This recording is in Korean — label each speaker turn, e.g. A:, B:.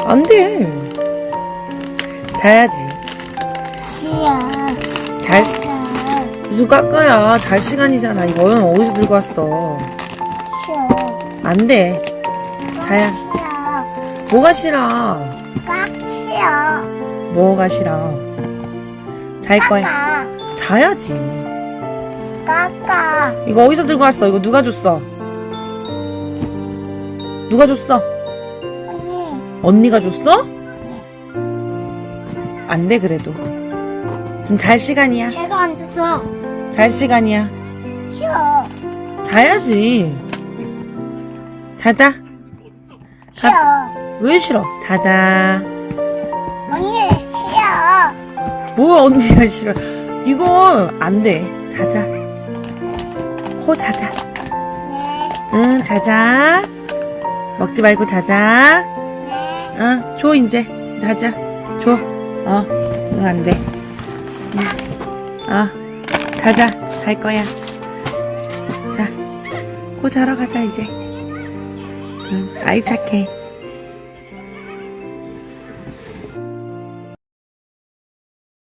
A: 안 돼. 자야지.
B: 싫어.
A: 무슨 깎아야. 잘 시간이잖아. 이거 어디서 들고 왔어?
B: 싫어.
A: 안 돼. 자야.
B: 싫어.
A: 뭐가 싫어?
B: 깍 싫어.
A: 뭐가 싫어? 잘 거야.
B: 까까.
A: 자야지.
B: 까까.
A: 이거 어디서 들고 왔어? 이거 누가 줬어? 누가 줬어?
B: 언니.
A: 언니가 줬어? 안 돼, 그래도. 지금 잘 시간이야.
B: 제가 안 줬어.
A: 잘 시간이야.
B: 싫어.
A: 자야지. 자자.
B: 싫어.
A: 왜 싫어? 자자.
B: 언니 싫어.
A: 뭐야, 언니가 싫어. 이거 안 돼. 자자. 자자.
B: 네.
A: 응, 자자. 먹지 말고 자자.
B: 네.
A: 응, 줘, 이제. 자자. 줘. 응, 안 돼. 자자. 잘 거야. 자, 자러 가자, 이제. 응, 아이 착해.